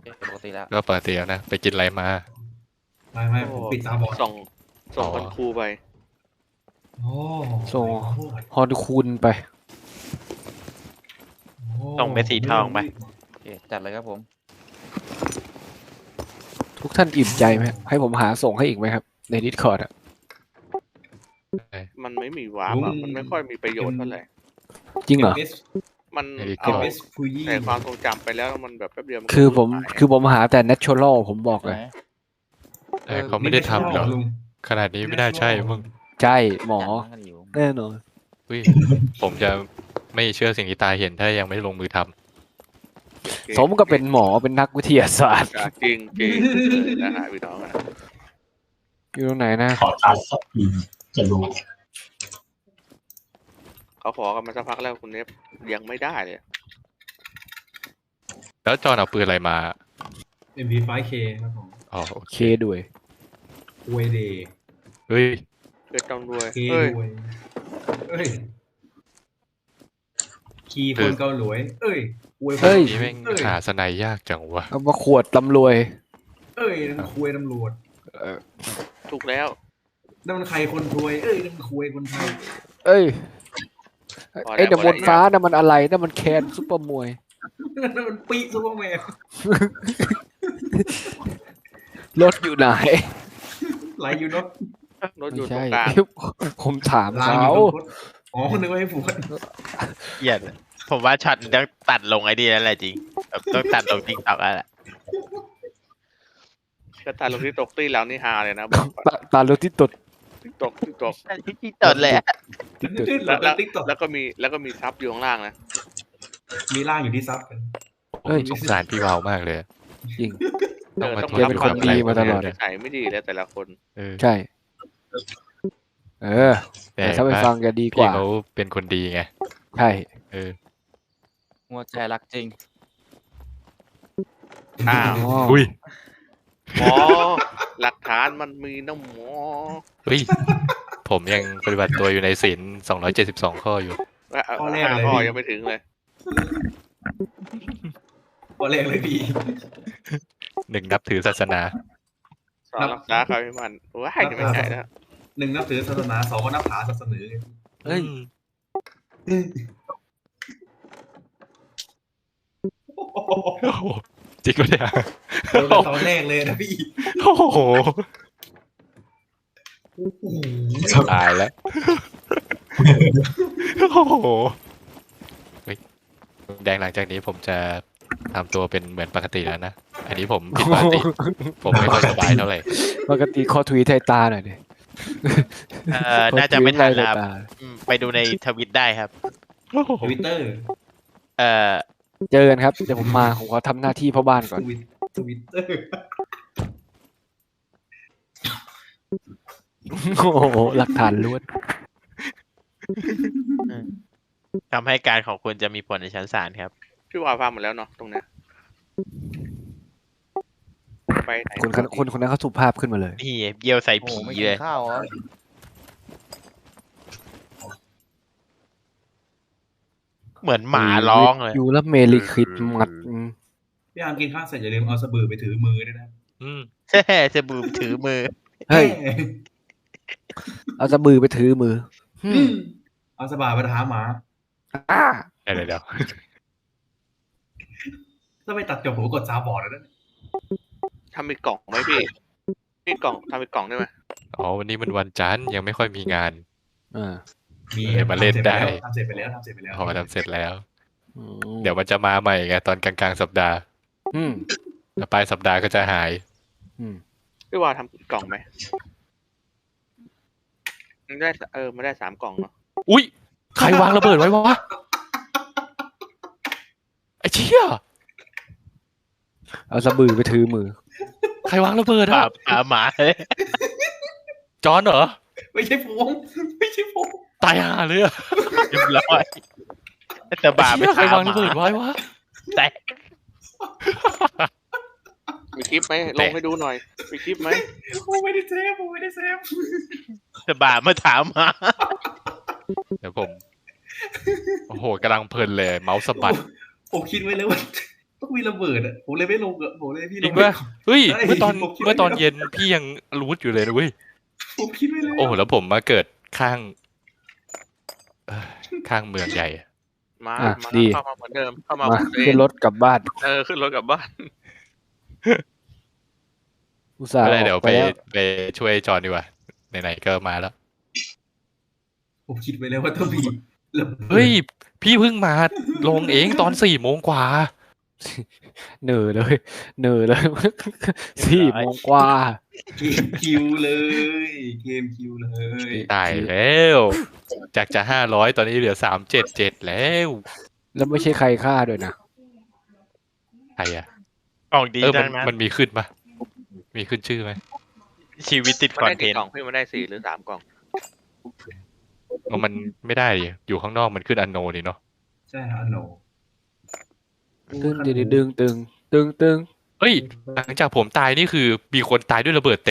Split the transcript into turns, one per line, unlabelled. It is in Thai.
ปกติแล้ว
ก็ปกติแล้วนะไปกินอะไรมา
ไม่ผมปิดตาบอด
ส่งคนครูไป
โอ้
ส่งฮอนคูณไป
ส่งเม็ดสีทองไป
โอเคจัดเลยครับผม
ทุกท่านอิ่มใจไหมให้ผมหาส่งให้อีกไหมครับ ใน Discord อ่ะ
มันไม่มีวาร์ปอะมันไม่ค่อยมีประโยชน์เท่าไหร่
จริงเหรอ
มันเอาแต่ความทรงจำไปแล้วมันแบบแป๊บเดียวมัน
คือผมหาแต่ natural ผมบอกเลย
แต่เขาไม่ได้ทำหรอกขนาดนี้ไม่น่าใช่มึง
ใช่หมอ
จัดกันอยู่
แน่นอน
อุ้ยผมจะไม่เชื่อสิ่งที่ตาเห็นถ้ายังไม่ลงมือทำ
สมกับเป็นหมอเป็นนักวิทยาศาสตร์
จริงนะฮะพี่น้องนะ
อยู่ตรงไหนนะ
ขอทานสักทีจะรู้
เขาขอกันมาสักพักแล้วคุณเนฟยังไม่ได้เลย
แล้วจอนเอาปืนอะไรมา
MP5K ครับผม
อ๋อโอ
เค
เค
ด้วย
เวเดย์
เฮ้ย
เกิดต้องด้วย
เคด้วยเอ้ยคีย์คนเกาหลวยเอ้ยอวย
เฮ้ย
นี่แม่งหาสไนยากจังวะ
เอามาขวดตำรวย
เอ้ยนั่นคุยตำรวจ
ถูกแล้ว
นั่นมันใครคนถวยเอ้ยนั่นมันคุยคนไทย
เอ้ยไอ้เดบนฟ้านั่นมันอะไรนั่นมันแคนซุปเปอร์มวย
นั่นมันปีซูเปอร์แมน
รถอยู่ไหน
ไหลอยู่เนาะ
รถอยู่ตร
ใช่
งกลาง
ผมถาม
ลางอ
เขา
ยู่ตรงรถอ๋อคนนึกว่าให้ฝูน
เหี้ยผมว่าช็อตต้องตัดลงไอ้นี่แล้วแหละจริงแบบต้องตัดลงติ๊กต็อกแล้วแหละ
ก็ตาลงที่ตกตี้แล้วนี่ฮาเลยนะบอกก่อน
ตารถที่ตด
ที่ตก
ที่ตดเลยอะ
แล้วก็มีซับอยู่ข้างล่างนะ
มีล่างอยู่ที่ซับกัน
ผมสงสารพี่วาวมากเลย
จริง
ต้องมา
ต้อง
ท
แกเป็นคนดีมาตลอด
ใส่ไม่ดีแล้วแต่ละคน
เออ
ใช่ แต่ถ้าไปฟังจะดีก
พี่
ว่า
เขาเป็นคนดีไง
ใช่
เออ
หัวใจรักจริง
อ้าว
อุ้ย
หมอหลักฐานมันมีนะหมอ
เฮ้ยผมยังปฏิบัติตัวอยู่ในศีล272 ข้ออยู่
ข้อยังไม่ถึงเลย
ข้อแรกเลยพี่
1นับถือศาสนา
สอนรักษาเขาให้มันว้ายจะไม่ใช่แล้ว
หนึ่งนับถือศาสนาสองก็นับหาศาสนา
เฮ้ย
โอ้โหจริงปะเนี่ย
ตอนแรกเลยนะพี่
โอ้โหตายแล้วโอ้โหเฮ้ยแดงหลังจากนี้ผมจะทำตัวเป็นเหมือนปกติแล้วนะ อันนี้ผมผิดปกติ ผมไม่ค่อยสบายเท่าไหร่
ปกติคอทวีไทยตาหน่อยดิ
น่าจะไม่ทันแล้ว
คอทวีไทยตา
ไปดูในทวิตได้ครับ
ทวิตเตอร์
เอ่อ
เจอกันครับ เดี๋ยวผมมาผมขอทำหน้าที่พ่อบ้านก่อน
ทวิตเตอร์
โอ้โหหลักฐานล้วน
คำให้การของคุณจะมีผลในชั้นศาลครับ
พี่วาฟังหมดแล้วเนาะตรงเนี้ยไปไหน
คนนั้นเขาสุภาพขึ้นมาเลย
นี่เยี่ยวใส่
โอ้โห
ผี
ไม่กิ
เล
น
ย
ข้าวเหรอ
เหมือนหมาร้องเลย
อยู่แล้วเมลิคิดมัด
พี่อาร์มกินข้าวเสร็จอย่าลืมเอาสบู่ไปถือมือด้วยนะ
อืม
จะบูมถือมือ
เฮ้ย เอาสะบือไปถือมือ
เอาสบู่ไปหาหมา
อ้า
เดี๋ยว
ถ้าไปตัดจบผมกดซาบอร์ดแล้วนะ
ทำมีกล่องไหมพี่มีกล่องทำมีกล่องได้ไหม
อ๋อวันนี้มันวันจันทร์ยังไม่ค่อยมีงาน
มี
เดี๋ยวมาเล่นได้
ทำเสร็จไปแล้ว
พอทำเสร็จแล้ว เดี๋ยวมันจะมาใหม่ไงตอนกลางๆสัปดาห์
อืม
แล้วปลายสัปดาห์ก็จะหาย
พี่วาทำกล่องไหมมันได้มันได้3 กล่องเนาะ
อุ้ยใครวางระเบิดไว้วะไอ้เชี่ย
เอาสะบือไปถือมือ
ใครวางระเบิด
ปลา
อ่ะ
หมาเลย
จอนเหรอ
ไม่ใช่ผมไม่ใช่ผม
ตายห่าเลยอ่ะ
เรียบร้อยจะบาไป
ไอ้เชี่ยใคราง
ถาวม
ระเบิดไว้วะ
แต่
มีคลิปไหมลงให้ดูหน่อยมีคลิปไหม
ผมไม่ได้เซฟ
จะบามาถามหมา
เดี๋ยวผม โอ้โหกำลังเพลินเลยเมาส์สะบัด
ผมคิดไว้เลยว่าต้องมีระเบิดอ่ะผมเลยไม่ลงอ่ะผมเลยพี่
จ
ล
ริ
ง
ง
ไม่
ปะเฮ้ย
ใช่
เมื่อตอน
ผมคิดไว้
เมื่อตอน
แล้ว
เย็นพี่ยังรู้อยู่เลยนะเว้ย
ผมคิดไว้แล้ว
โอ้แล้วผมมาเกิดข้างข้างเมืองใหญ่
มา
อ่ะ
มา
ดี
เข้ามาเหมือนเดิมเข้ามา
มา
เหมือนเดิ
ขึ้น
ม
รถกลับบ้าน
ขึ้นรถกลับบ้าน
อุตส่าห์
ไม่
อ
ได้
อ
เดี๋ยว
กไป
ไป
แล้ว
ไปช่วยจอนดีกว่าไหนๆก็มาแล้ว
ผมคิดไว้แล้วว่าต้องมีระเบิด
เฮ้ย พี่เพิ่งมาลงเองตอน4 โมงกว่า
เหนื่อยเลยเหนื่อยเลย 4 โมงกว่า
เกมคิวเลยเกมคิวเลย
ตายแล้ว จากจะ500ตอนนี้เหลือ377แล้ว
แล้วไม่ใช่ใครฆ่าด้วยนะ
ใครอ่ะ
ออกดี
มั
จังนะ
มันมีขึ้นปะมีขึ้นชื่อไหม
ชีวิตติด
มัน
คอน
ได้
เท
กี่
น
กล่อ
ต์
งพี่มันได้4 หรือ 3 กล่อง
มันไม่ได้ดิอยู่ข้างนอกมันขึ้นอันโนนี่เนาะ
ใช่ฮะโน
ตึงตึงตึงตึงตึง
เฮ้ย หลังจากผมตายนี่คือมีคนตายด้วยระเบิด